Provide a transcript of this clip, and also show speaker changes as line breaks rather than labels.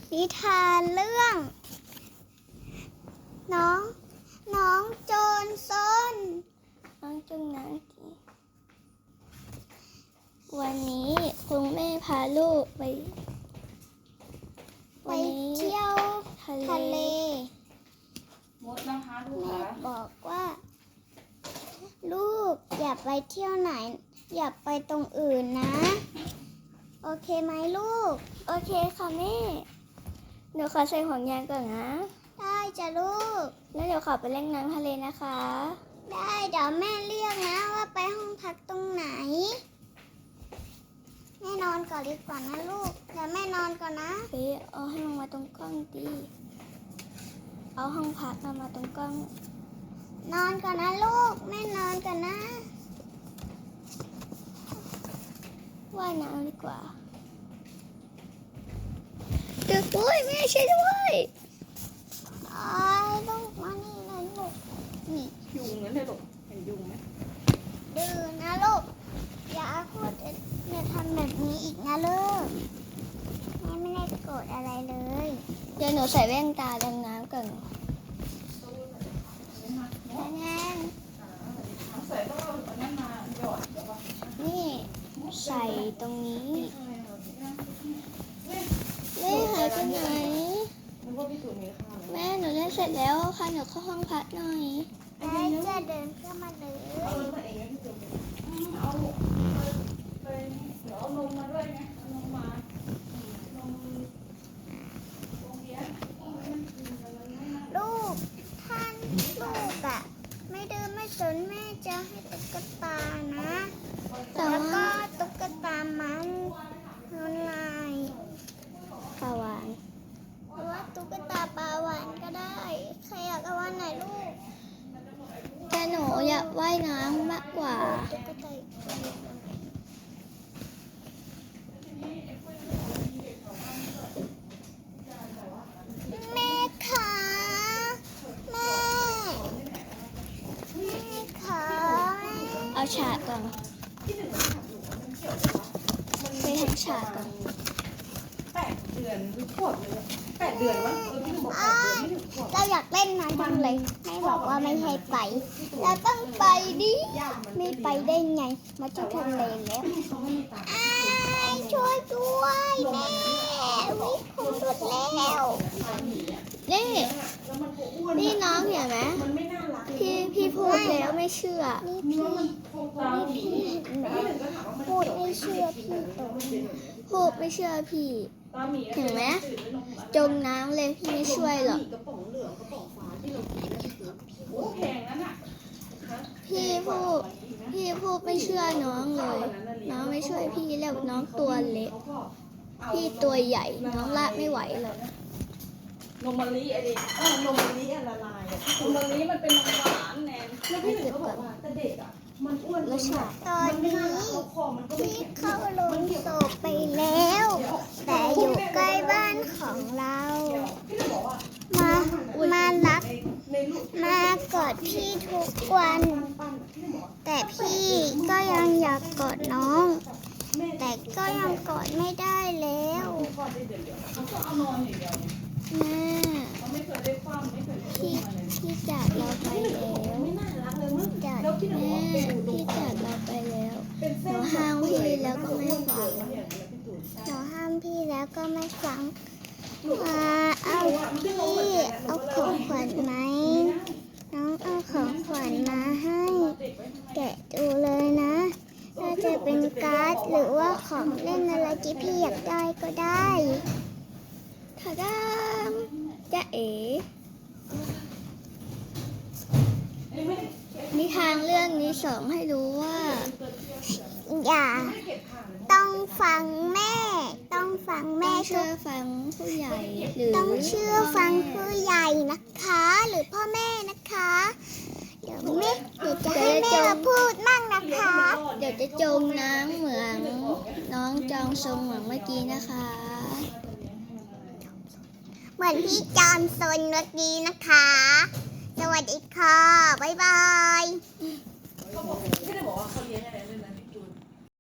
นิทานเรื่องน้องโจรซนน้องจงน้ำวันนี้คุณแม่พาลูกไปเที่ยวทะเล
มดนะคะลูก
แม่
คะ
บอกว่าลูกอย่าไปเที่ยวไหนอย่าไปตรงอื่นนะโอเคไหมลูกโอเคค่ะแม่หนูขอใส่ห่วงยางก่อนนะได้จ้ะลูกแล้วเดี๋ยวขอไปเล่นน้ำทะเลนะคะได้เดี๋ยวแม่เรียกนะว่าไปห้องพักตรงไหนแม่นอนก่อนดีกว่านะลูกเดี๋ยวแม่นอนก่อนนะเอาให้มันมาตรงกล้องดีเอาห้องพักมาตรงกล้องนอนก่อนนะลูกแม่นอนก่อนนะว่ายน้ำดีกว่าเด็กด้วยแม่ช่วยด้วยลูกมานี่เลยลูกนี่
ยุงนั่นเลยลูกเห็นยุงไหม
ดื้อนะลูกอย่าพูดอย่าทำแบบนี้อีกนะลูกแม่ไม่ได้โกรธอะไรเลยเดี๋ยวหนูใส่แว่นตาดำน้ำก่อนแน่
ใส่ต้องเอาอันนั้นมาหยอดเดี๋ยวก่อน
นี่ใส่ตรงนี้แม่หายไปไหน
นึกว่าพี่ตุ๋นมีข้าว
แม่หนูเล่นเสร็จแล้วค่ะหนูเข้าห้องพักหน่อยได้จะเดินเข้ามาเลย
เอาตัวเองพี่ตุ๋นเอาไปเดี๋ยวเอานมมาด้วยไงเอานมมานมโรงเรียน
ลูกท่านลูกอะไม่ดื้อไม่สนแม่จะให้ตุ๊กตานะแล้วก็ตุ๊กตามันลายปลาหวานหรือว่าตุ๊กตาปลาหวานก็ได้ใครอยากเอาวันไหนลูกแต่หนูอยากว่ายน้ำมากกว่าตุ๊กตาแม่คะแม่คะเอาฉากก่อนไปทำฉากก่อน
8 เดือนหรือขวบเลย8 เดือนวะพี่ตุ๋นบอก8 เดือนไม่ถึงขวบ
เราอยากเล่นน้ำจังเลยให้บอกว่าไม่ให้ไปเราต้องไปดิไม่ไปได้ไงมาที่ทะเลแล้วช่วยด้วยแม่วิ่งผมหลุดแล้วนี่น้องเห็นไหม
มันไม่น่ารัก
พี่พูดแล้วไม่เชื่อ
เนื้อมันตาม
พี่เห็นไหม
พี่ถึงก็ถามว่ามัน
พูดไม่เชื่อพี่ตรงพูดไม่เชื่อพี่
ตาหมี
เห็นไหมจมน้ำเลยพี่ไม่ช่วยหรอก
กระป๋องเหลืองกระป๋องฟ้าที่เรากินนะโอ้แพงนั่นน่ะ
พี่พูดไม่เชื่อน้องเลย น้องไม่ช่วยพี่แล้วน้องตัวเล็ก พี่ตัวใหญ่น้องลากไม่ไหวหรอก
นมมะลิอะไรนมมะลิละลายนมมะลิมันเป็นนมหวานแนนแล้วพี่หนึ่งเขาบอกว่าแต่เด็กอ่ะมันอ้วน
แล้วฉากตอนนี้พี่เข้าลงศพไปแล้ว แต่อยู่ใกล้บ้านของเรา มารักมากอดพี่ทุกวัน แต่พี่ก็ยังอยากกอดน้อง แต่ก็ยังกอดไม่ได้แล้วแม่พี่จากเราไปแล้วจากแม่พี่จากเราไปแล้วหนูห้ามพี่แล้วก็ไม่ฟังหนูห้ามพี่แล้วก็ไม่ฟังเอาพี่เอาของขวัญไหมน้องเอาของขวัญมาให้แกะดูเลยนะถ้าจะเป็นการ์ดหรือว่าของเล่นอะไรที่พี่อยากได้ก็ได้ทาดามจ๊ะเอ๋นิทานเรื่องนี้สอนให้รู้ว่าอย่าต้องฟังแม่ต้องฟังแม่เชื่อฟังผู้ใหญ่หรือต้องเชื่อฟังผู้ใหญ่นะคะหรือพ่อแม่นะคะเดี๋ยวจะให้แม่มาพูดมั่งนะคะเดี๋ยวจะจมน้ำเหมือนน้องจองทรงเหมือนเมื่อกี้นะคะเหมือนพี่จอมซนเมื่อกี้นะคะสวัสดีค่ะบ๊ายบาย
เขาบอกพี่ได้บอกว่าเขาเลี้ยงอะไร